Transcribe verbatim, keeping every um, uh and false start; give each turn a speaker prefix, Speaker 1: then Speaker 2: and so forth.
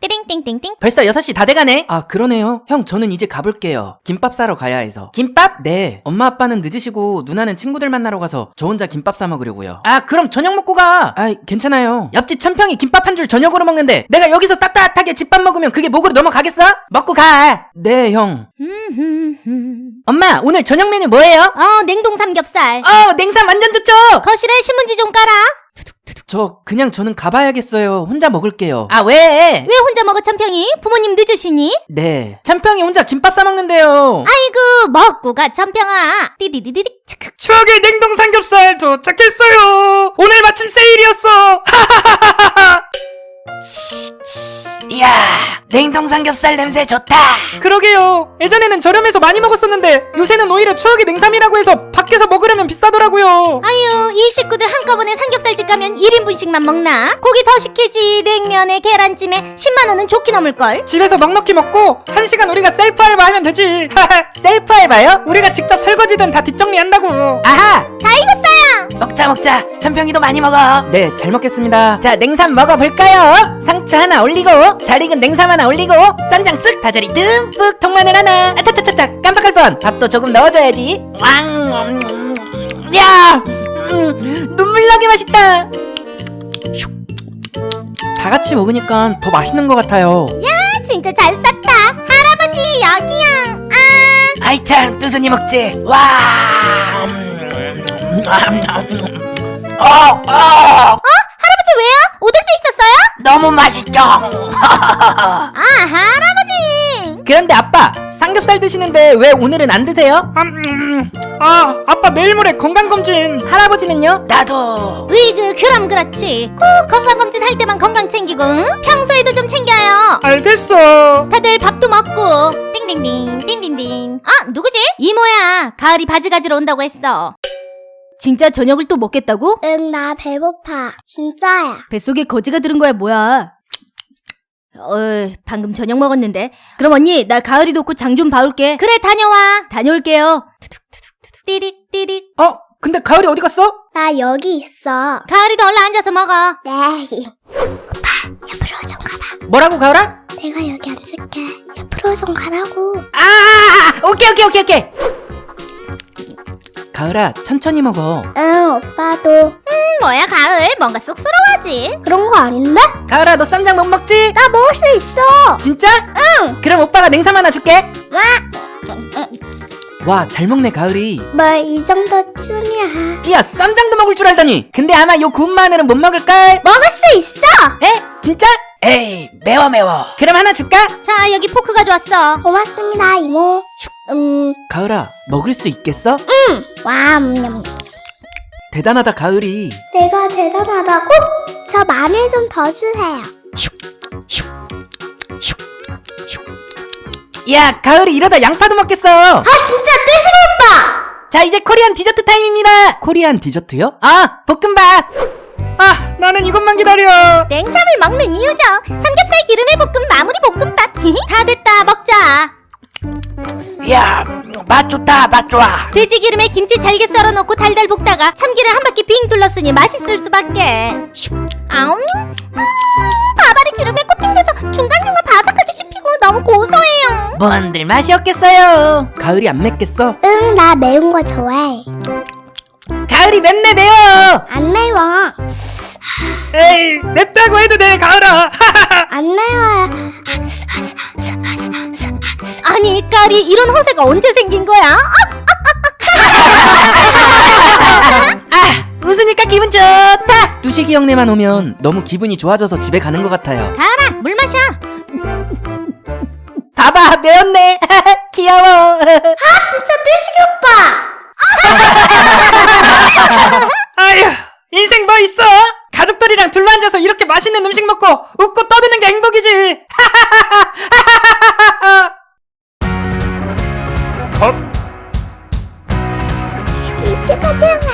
Speaker 1: 띠링띵띵띵.
Speaker 2: 벌써 여섯 시 다 돼가네? 아 그러네요. 형 저는 이제 가볼게요. 김밥 사러 가야 해서. 김밥? 네. 엄마 아빠는 늦으시고 누나는 친구들 만나러 가서 저 혼자 김밥 사 먹으려고요. 아 그럼 저녁 먹고 가. 아 괜찮아요. 옆집 천평이 김밥 한 줄 저녁으로 먹는데 내가 여기서 따뜻하게 집밥 먹으면 그게 목으로 넘어가겠어? 먹고 가. 네 형. 엄마 오늘 저녁 메뉴 뭐예요?
Speaker 1: 어, 냉동 삼겹살.
Speaker 2: 어 냉삼 완전 좋죠.
Speaker 1: 거실에 신문지 좀 깔아.
Speaker 2: 저 그냥 저는 가봐야겠어요. 혼자 먹을게요. 아 왜?
Speaker 1: 왜 혼자 먹어, 천평이? 부모님 늦으시니?
Speaker 2: 네. 천평이 혼자 김밥 사 먹는데요.
Speaker 1: 아이고, 먹고 가, 천평아. 띠디디디디. 츠크.
Speaker 3: 추억의 냉동 삼겹살 도착했어요. 오늘 마침 세일이었어.
Speaker 2: 이야 냉동 삼겹살 냄새 좋다.
Speaker 3: 그러게요. 예전에는 저렴해서 많이 먹었었는데 요새는 오히려 추억의 냉삼이라고 해서 밖에서 먹으려면 비싸더라고요.
Speaker 1: 아유, 이 식구들 한꺼번에 삼겹살집 가면 일 인분씩만 먹나? 고기 더 시키지. 냉면에 계란찜에 십만 원은 좋게 넘을걸.
Speaker 3: 집에서 넉넉히 먹고 한 시간 우리가 셀프 알바하면 되지.
Speaker 2: 셀프 알바요?
Speaker 3: 우리가 직접 설거지든 다 뒷정리한다고.
Speaker 2: 아하
Speaker 1: 다 익었어요.
Speaker 2: 먹자 먹자. 천평이도 많이 먹어. 네 잘 먹겠습니다. 자 냉삼 먹어볼까요? 상추 하나 올리고 잘 익은 냉삼 하나 올리고 쌈장 쓱 다져리 듬뿍 통마늘 하나. 아차차차차 깜빡할 뻔. 밥도 조금 넣어줘야지. 왕 음, 야 음, 눈물 나게 맛있다. 슉. 다 같이 먹으니까 더 맛있는 것 같아요.
Speaker 1: 야, 진짜 잘 쌌다. 할아버지, 여기야. 아.
Speaker 2: 아이 참 뚜순이 먹지. 와 음, 어, 어.
Speaker 1: 할아버지 왜요? 오돌뼈 있었어요?
Speaker 2: 너무 맛있죠.
Speaker 1: 아, 할아버지.
Speaker 2: 그런데 아빠 삼겹살 드시는데 왜 오늘은 안 드세요?
Speaker 3: 음, 음. 아 아빠 내일 모레 건강검진.
Speaker 2: 할아버지는요? 나도.
Speaker 1: 으이그, 그럼 그렇지. 꼭 건강검진 할 때만 건강 챙기고, 응? 평소에도 좀 챙겨요.
Speaker 3: 알겠어.
Speaker 1: 다들 밥도 먹고. 띵띵띵, 띵띵띵. 아, 누구지? 이모야. 가을이 바지 가지러 온다고 했어. 진짜 저녁을 또 먹겠다고?
Speaker 4: 응, 나 배고파. 진짜야.
Speaker 1: 뱃속에 거지가 들은 거야, 뭐야? 어이, 방금 저녁 먹었는데. 그럼 언니, 나 가을이 놓고 장 좀 봐올게. 그래, 다녀와. 다녀올게요. 투둑투둑투둑. 띠릭, 띠릭.
Speaker 2: 어? 근데 가을이 어디 갔어?
Speaker 4: 나 여기 있어.
Speaker 1: 가을이도 얼른 앉아서 먹어.
Speaker 4: 네. 오빠, 옆으로 좀 가봐.
Speaker 2: 뭐라고 가을아?
Speaker 4: 내가 여기 앉을게. 옆으로 좀 가라고.
Speaker 2: 아 오케이 오케이 오케이 오케이. 가을아 천천히 먹어.
Speaker 4: 응, 오빠도.
Speaker 1: 음, 뭐야, 가을. 뭔가 쑥스러워하지.
Speaker 4: 그런 거 아닌데?
Speaker 2: 가을아 너 쌈장 못 먹지?
Speaker 4: 나 먹을 수 있어.
Speaker 2: 진짜? 응. 그럼 오빠가 냉삼 하나 줄게.
Speaker 4: 와,
Speaker 2: 와 잘 먹네 가을이.
Speaker 4: 뭐 이 정도쯤이야.
Speaker 2: 야 쌈장도 먹을 줄 알더니. 근데 아마 요 구운 마늘은 못 먹을걸?
Speaker 4: 먹을 수 있어.
Speaker 2: 에? 진짜? 에이 매워 매워. 그럼 하나 줄까?
Speaker 1: 자, 여기 포크 가져왔어.
Speaker 4: 고맙습니다, 이모. 음,
Speaker 2: 가을아 먹을 수 있겠어?
Speaker 4: 와, 음,
Speaker 2: 대단하다 가을이.
Speaker 4: 내가 대단하다고? 저 마늘 좀 더 주세요.
Speaker 2: 야 가을이 이러다 양파도 먹겠어.
Speaker 4: 아, 진짜 뚜시고 오빠.
Speaker 2: 자 이제 코리안 디저트 타임입니다. 코리안 디저트요? 아 볶음밥.
Speaker 3: 아 나는 이것만 기다려.
Speaker 1: 냉삼을 먹는 이유죠. 삼겹살 기름에 볶은 마무리 볶음밥. 다 됐다, 먹자.
Speaker 2: 야 맛 좋다 맛 좋아.
Speaker 1: 돼지 기름에 김치 잘게 썰어 넣고 달달 볶다가 참기름 한 바퀴 빙 둘렀으니 맛있을 수밖에. 아웅. 음, 밥알이 기름에 코팅돼서 중간중간 바삭하게 씹히고 너무 고소해요.
Speaker 2: 뭔들 맛이 없겠어요. 가을이 안 맵겠어?
Speaker 4: 응, 나 매운 거 좋아해.
Speaker 2: 가을이 맵네 매워.
Speaker 4: 안 매워.
Speaker 3: 에이 맵다고 해도 돼 가을아.
Speaker 4: 안 매워요.
Speaker 1: 아니, 까리, 이런 허세가 언제 생긴 거야?
Speaker 2: 아 웃으니까 기분 좋다. 뚜식이 형네만 오면 너무 기분이 좋아져서 집에 가는 것 같아요.
Speaker 1: 가라, 물 마셔.
Speaker 2: 봐봐 매웠네. 귀여워.
Speaker 4: 아, 진짜 뚜시기 오빠.
Speaker 3: 아휴 인생 뭐 있어? 가족들이랑 둘러앉아서 이렇게 맛있는 음식 먹고 웃고 떠드는 게 행복이지. 컷.
Speaker 4: 이때까지 하면